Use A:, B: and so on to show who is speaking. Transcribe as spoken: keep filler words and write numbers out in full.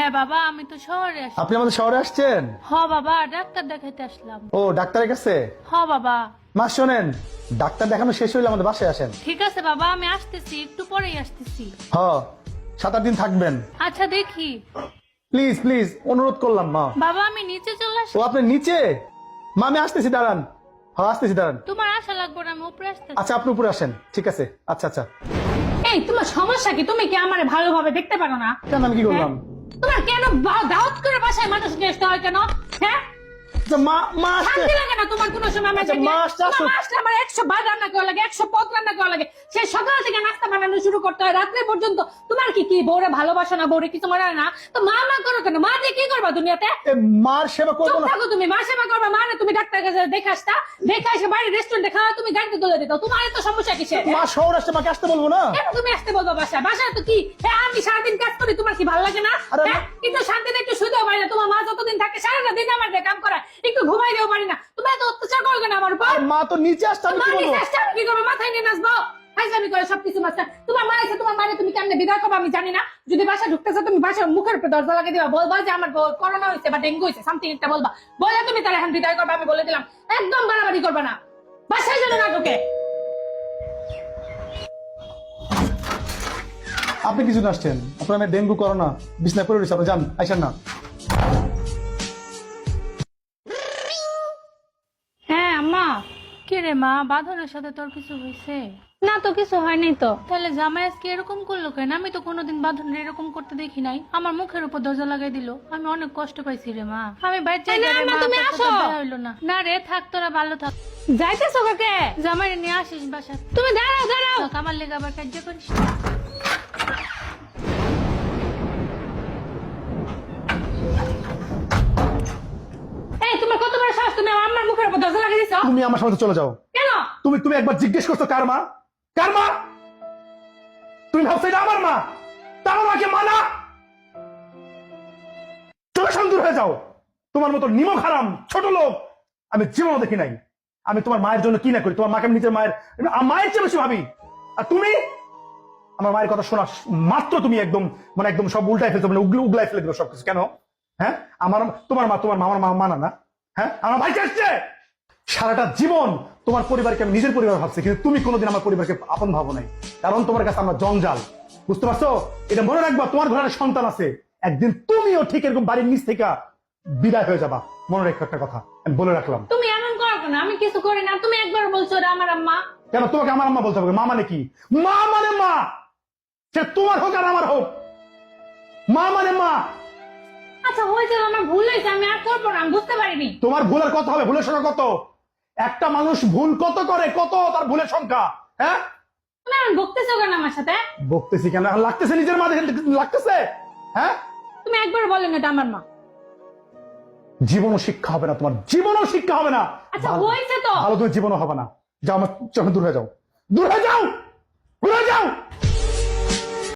A: হ্যাঁ বাবা, আমি তো শহরে আসছি।
B: আপনি আমাদের শহরে আসছেন?
A: হ বাবা, ডাক্তার দেখাইতে আসলাম।
B: ও ডাক্তারের কাছে?
A: হ বাবা।
B: মা শোনেন, ডাক্তার দেখানো শেষ হইলে আমাদের বাসায় আসেন।
A: ঠিক আছে বাবা, আমি আসতেছি, একটু পরেই আসতেছি।
B: হ, সাত আট দিন থাকবেন।
A: আচ্ছা দেখি।
B: প্লিজ প্লিজ অনুরোধ করলাম মা।
A: বাবা আমি নিচে চলে আসি।
B: ও আপনি নিচে? মা আমি আসতেছি, দাঁড়ান। হ্যাঁ আসতেছি, দাঁড়ান।
A: তোমার আশা লাগবে না, আমি উপরে আসতেছি।
B: আচ্ছা আপনি উপরে আসেন, ঠিক আছে। আচ্ছা আচ্ছা।
C: এই তোমার সমস্যা কি? তুমি কি আমারে ভালোভাবে দেখতে পারো না?
B: কেন আমি কি করলাম?
C: তোমার কেন বা- দাওয়াত করে বাসায় মানুষ নিয়ে আসতে হয় কেন? হ্যাঁ,
B: আচ্ছা, মা মা আসছে।
C: শান্তি লাগে না তোমার কোনো সময়?
B: আচ্ছা,
C: আমাকে
B: মা
C: নিয়ে-
B: আসছে,
C: তোমার
B: আসুক।
C: মা আসলে আমার একশো বার রান্না করা লাগে, একশো পদ রান্না করা লাগে। সে সকাল থেকে নাস্তা বানানো শুরু করতে হয় রাত্রে পর্যন্ত। তোমার কি কি বউরে ভালোবাসো না, বউরে কিছু মনে হয় না? তো মা মা করো কেন? মা দিয়ে কি করবা দুনিয়াতে?
B: এ, মার সেবা করবো
C: চুপ
B: না?
C: থাকো তুমি। মা সেবা করবা মানে তুমি ডাক্তার কাছে দেখে আসতা, দেখে এসে বাইরে রেস্টুরেন্টে খাওয়া, তুমি গাড়িতে তুলে দিত। তোমার এত সমস্যা কিসের?
B: মা শহর আসছে, মাকে আসতে বলবো না?
C: কেন তুমি আসতে বলবো বাসায়? বাসায় তো কি হ্যাঁ আমি সারাদিন কাজ করি, তোমার কি ভালো লাগে না?
B: আরে
C: হ্যাঁ, একটু শান্তিতে একটু শুতেও পারি না। তোমার মা যতদিন থাকে সারাটা দিন আমার দিয়ে কাম করায়, একটু ঘুমাইতেও পারি না। তুমি এত অত্যাচার করো কেন আমার উপর?
B: আর মা তো নিচে আসছে, আমি
C: মা
B: কি বলবো?
C: নিচে আসছে, আমি কি করবো? মাথায় নিয়ে নাচবো? ফাইজলামি করে সবকিছু মাস্টার। তোমার মা আছে, তোমার মানে তুমি কেমনে বিদায় করবো আমি জানি না। যদি বাসা ঢুকতেছো তুমি বাসার মুখের উপর দরজা লাগিয়ে দিবা, বলবা যে আমার বউ করোনা হয়েছে বা ডেঙ্গু হয়েছে, সামথিং একটা বলবা। বলে তুমি তার এখন বিদায় করবা, আমি বলে দিলাম। একদম বাড়াবাড়ি করবে না, বাসায় যেন না ঢুকে।
B: আপনি কিছু আসছেন, আপনার মেয়ে ডেঙ্গু করোনা বিছনা করে রয়েছে, আপনি যান, আইসেন না।
C: হ্যাঁ আম্মা।
A: কে রে মা, বাঁধনের সাথে তোর কিছু হয়েছে?
C: না তো কিছু হয়নি তো।
A: তাহলে জামাই আজকে এরকম করলো কেন? আমি তো কোনোদিন বাঁধনের এরকম করতে দেখি নাই। আমার মুখের উপর দরজা লাগাই দিল, আমি অনেক কষ্ট পাইছি রে মা। আমি বাইরে
C: এই না, আম্মা, তুমি আসো।
A: হইলো না। না রে থাক, তোরা ভালো থাক।
C: যাইতেছো কাকে?
A: জামাই নিয়ে আসিস বাসা।
C: তুমি দাঁড়াও দাঁড়াও।
A: আমার লেগে আবার কার্য করিস।
C: এই তোমার কত বড় সাহস, তুমি আমার আম্মার মুখের উপর দরজা লাগিয়ে দিছো?
B: তুমি আমার সাথে চলে যাও।
C: কেন?
B: তুমি তুমি একবার জিজ্ঞেস করছো কার মা? কার মা? তুমি ভাবছো এটা আমার মা? তার মাকে মানা? চলে দূর হয়ে যাও। তোমার মতো নিমক হারাম ছোট লোক আমি জীবনও দেখি নাই। আমি তোমার মায়ের জন্য কি না করি, তোমার মাকে আমি নিজের মায়ের মায়ের চেয়ে বেশি ভাবি। আর তুমি আমার মায়ের কথা শোনা মাত্র তুমি একদম মানে একদম সব উল্টাই ফেলছো, মানে উগলে উগলাই ফেলে দিল সবকিছু। কেন? হ্যাঁ, আমার তোমার মা তোমার মামার মা মানা না? হ্যাঁ, আমার ভাই আসছে। সারাটা জীবন তোমার পরিবারকে আমি নিজের পরিবার ভাবছি, কিন্তু তুমি কোনোদিন আমার পরিবারকে আপন ভাবো নাই, কারণ তোমার কাছে আমরা জঞ্জাল। বুঝতে পারছো? এটা মনে রাখবা, তোমার ঘরে সন্তান আছে, একদিন তুমিও ঠিক এরকম বাড়ির নিচ থেকে বিদায় হয়ে যাবা। মনে রেখো একটা কথা, আমি বলে রাখলাম।
C: তুমি এমন করো কেন? আমি কিছু করি না, তুমি একবার বলছো ওরা আমার আম্মা।
B: কেন তোমাকে আমার আম্মা বলতে হবে? মা মানে কি? মা মানে মা, সে তোমার হোক আর আমার হোক, মা মানে মা।
C: আচ্ছা হয়েছে, আমার ভুল হয়েছে, আমি আর করবো না, আমি বুঝতে পারিনি।
B: তোমার ভুলের কথা হবে, ভুলের সংখ্যা কত? একটা মানুষ ভুল কত করে, কত তার ভুলের সংখ্যা? হ্যাঁ,
C: তুমি এখন বকতেছো কেন আমার সাথে?
B: বকতেছি কেন? এখন লাগতেছে নিজের মা দেখে লাগতেছে। হ্যাঁ,
C: তুমি একবার বলেন এটা আমার মা।
B: জীবনও শিক্ষা হবে না তোমার, জীবনও শিক্ষা হবে না।
C: আচ্ছা
B: ভালো-
C: হয়েছে তো।
B: ভালো তুমি জীবনও হবে না। যাও আমার চোখে দূর হয়ে যাও, দূর হয়ে যাও, দূর হয়ে যাও।